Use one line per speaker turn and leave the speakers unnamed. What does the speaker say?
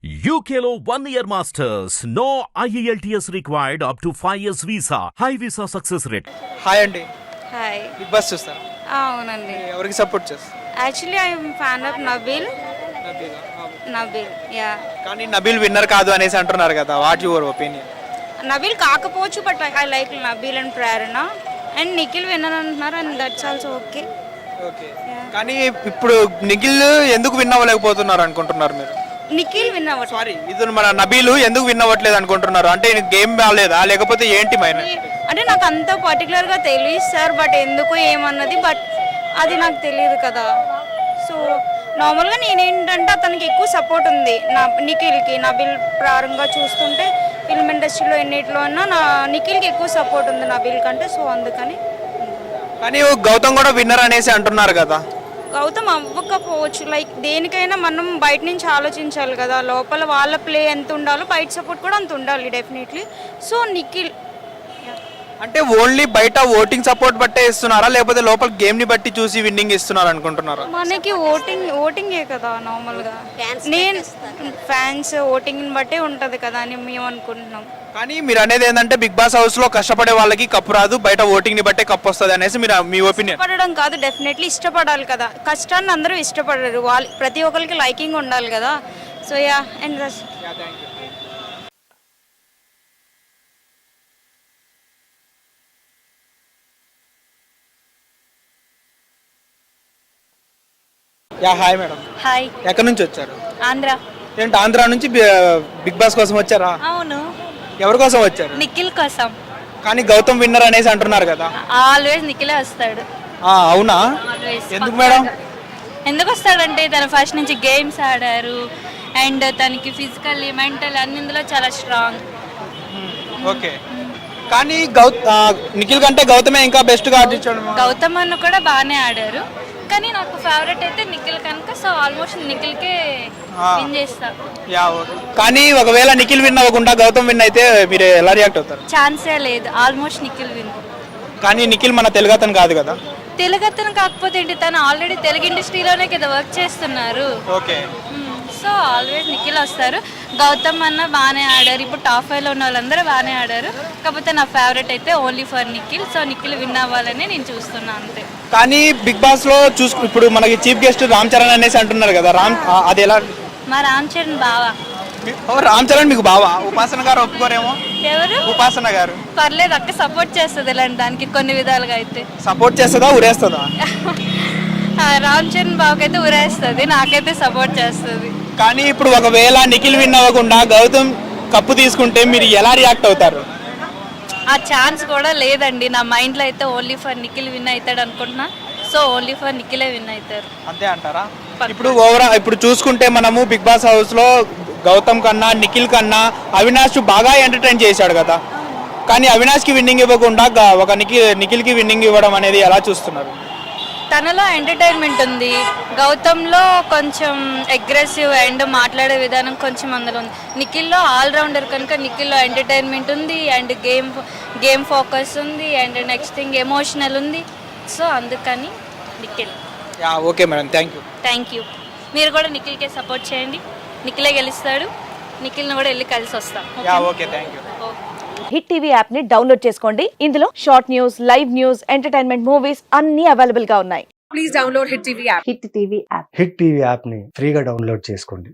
UKLO 1 year masters. No IELTS required up to 5 years visa. High visa success rate.
Hi అండి.
Hi
Big Boss చూస్తారా?
అవునండి
ఎవరికి support చేస్తారు?
Actually I'm fan of Nabeel yeah
కానీ Nabeel winner కాదు అనేసి అంటున్నారు కదా, వాట్ యువర్ ఒపీనియన్?
నబీల్ కాకపోవచ్చు but I like Nabeel and Prerana and Nikhil winner అంటున్నారు and that's also okay.
Okay, కానీ ఇప్పుడు నిఖిల్ ఎందుకు విన్ అవ్వలేకపోతున్నారు అనుకుంటున్నారు మీరు?
నిఖిల్ విన్ అవ్వచ్చు.
సారీ, ఇది మన నబీలు ఎందుకు విన్ అవ్వట్లేదు అనుకుంటున్నారు? అంటే గేమ్ బాగాలేదా లేకపోతే ఏంటి మైన?
అంటే నాకు అంత పర్టికులర్గా తెలియదు సార్, బట్ ఎందుకు ఏమన్నది బట్ అది నాకు తెలియదు కదా. సో నార్మల్గా నేనేంటంటే అతనికి ఎక్కువ సపోర్ట్ ఉంది నిఖిల్కి. నబీల్ ప్రారంభంగా చూస్తుంటే ఫిల్మ్ ఇండస్ట్రీలో ఎన్నిట్లో ఉన్నా నిఖిల్కి ఎక్కువ సపోర్ట్ ఉంది నబీల్ కంటే. సో అందుకని.
కానీ గౌతమ్ కూడా విన్నర్ అనేసి అంటున్నారు కదా.
గౌతమ్ అవ్వకపోవచ్చు, లైక్ దేనికైనా మనం బయట నుంచి ఆలోచించాలి కదా. లోపల వాళ్ళ ప్లే ఎంత ఉండాలో బయట సపోర్ట్ కూడా అంత ఉండాలి డెఫినెట్లీ. సో నిఖిల్
అంటే ఓన్లీ బయట ఓటింగ్ సపోర్ట్ బట్టే ఇస్తున్నారా లేకపోతే లోపల గేమ్ ని బట్టి చూసి విన్నింగ్ ఇస్తున్నారు అనుకుంటున్నారా?
మనకి ఓటింగే కదా నార్మల్గా. నేను ఫ్యాన్స్ ఓటింగ్ని బట్టే ఉంటుంది కదా అని మేము అనుకుంటున్నాం.
కానీ మీరు అనేది ఏంటంటే బిగ్ బాస్ హౌస్ లో కష్టపడే వాళ్ళకి కప్పు రాదు, బయట ఓటింగ్ ని బట్టే కప్పు వస్తుంది అనేసి మీరు మీ ఒపీనియన్?
ఇష్టపడడం కాదు, డెఫినెట్లీ ఇష్టపడాలి కదా. కష్టాన్ని అందరూ ఇష్టపడరు, వాళ్ళు ప్రతి ఒక్కరికి లైకింగ్ ఉండాలి కదా. So yeah and
yeah hi madam.
Hi.
ఎక్కడి నుంచి వచ్చారు?
ఆంధ్ర.
ఏంటి ఆంధ్ర నుంచి బిగ్ బాస్ కోసం వచ్చారా?
అవును.
ఎవరి కోసం వచ్చారు?
నిఖిల్ కోసం.
కానీ గౌతమ్ విన్నర్ అనేసి అంటున్నారు కదా.
ఆల్వేస్ నిఖిలే వస్తాడు.
అవునా?
ఆల్వేస్.
ఎందుకు మేడం?
ఎందుకు వస్తాడంటే తను ఫస్ట్ నుంచి గేమ్స్ ఆడారు అండ్ తనకి ఫిజికల్లీ మెంటల్ అన్నిందులో చాలా స్ట్రాంగ్.
ఓకే, కానీ నిఖిల్ కంటే గౌతమే ఇంకా బెస్ట్ గా ఆడించాడు.
గౌతమ్ అన్న కూడా బాగానే ఆడారు, కానీ నాకు ఫేవరెట్ అయితే నిఖిల్ కనుక. సో ఆల్మోస్ట్ నిఖిల్కే విన్ చేస్తా.
కానీ ఒకవేళ నిఖిల్ విన్ అవ్వకుండా గౌతమ్ విన్ అయితే మీరు ఎలా రియాక్ట్ అవుతారు?
ఛాన్సే లేదు, ఆల్మోస్ట్ నిఖిల్ విన్.
కానీ నిఖిల్ మన తెలుగు అతను కాదు కదా.
తెలుగు అతను కాకపోతే ఏంటి, తను ఆల్రెడీ తెలుగు ఇండస్ట్రీలోనే కదా వర్క్ చేస్తున్నారు.
ఓకే,
సో ఆల్వేస్ నిఖిల్ వస్తారు. గౌతమ్ అన్న బాగానే ఆడారు, ఇప్పుడు టాప్ 5లో ఉన్న వాళ్ళందరూ బాగానే ఆడారు. కాకపోతే నా ఫేవరెట్ అయితే only for Nikhil. So Nikhil win అవ్వాలని నేను చూస్తున్నా అంతే.
కానీ బిగ్ బాస్ లో ఇప్పుడు మనకి చీఫ్ గెస్ట్ రామ్ చరణ్ అనేసి అంటున్నారు కదా, అది ఎలా?
మా రామ్ చరణ్ బావా.
రామ్ చరణ్ మీకు బావా? ఉపాసన గారు ఒప్పుకోరేమో.
ఎవరు?
ఉపాసన గారు.
పర్లేదు అక్క, సపోర్ట్ చేస్తుంది ఇలాంటి దానికి కొన్ని విధాలుగా. అయితే
సపోర్ట్ చేస్తుందా ఉరేస్తుందా?
రామ్ చరణ్ బావకైతే ఉరేస్తుంది, నాకైతే సపోర్ట్ చేస్తుంది.
కానీ ఇప్పుడు ఒకవేళ నిఖిల్ విన్ అవ్వకుండా గౌతమ్ కప్పు తీసుకుంటే మీరు ఎలా రియాక్ట్ అవుతారు?
ఆ ఛాన్స్ కూడా లేదండి నా మైండ్లో. అయితే ఓన్లీ ఫర్ నిఖిల్ విన్ అవుతాడు అనుకుంటున్నా. సో ఓన్లీ ఫర్ నిఖిలే విన్ అవుతారు.
అంతే అంటారా? ఇప్పుడు చూసుకుంటే మనము బిగ్ బాస్ హౌస్ లో గౌతమ్ కన్నా నిఖిల్ కన్నా అవినాష్ బాగా ఎంటర్టైన్ చేశాడు కదా. కానీ అవినాష్కి విన్నింగ్ ఇవ్వకుండా ఒక నిఖిల్కి విన్నింగ్ ఇవ్వడం అనేది ఎలా చూస్తున్నారు?
తనలో ఎంటర్టైన్మెంట్ ఉంది, గౌతమ్లో కొంచెం అగ్రెసివ్ అండ్ మాట్లాడే విధానం కొంచెం అందులో ఉంది. నిఖిల్లో ఆల్రౌండర్ కనుక నిఖిల్లో ఎంటర్టైన్మెంట్ ఉంది అండ్ గేమ్ ఫోకస్ ఉంది అండ్ నెక్స్ట్ థింగ్ ఎమోషనల్ ఉంది. సో అందుకని Nikhil.
Okay madam, thank you.
మీరు కూడా నిఖిల్కే సపోర్ట్ చేయండి, నిఖిలే గెలుస్తాడు. నిఖిల్ని కూడా వెళ్ళి కలిసి వస్తాం.
Okay, thank you.
Hit TV app ని డౌన్లోడ్ చేసుకోండి. ఇందులో short news, live news, entertainment movies అన్ని అవైలబుల్ గా ఉన్నాయి.
Please download hit TV app.
Hit TV app.
Hit TV app ని ఫ్రీగా డౌన్లోడ్ చేసుకోండి.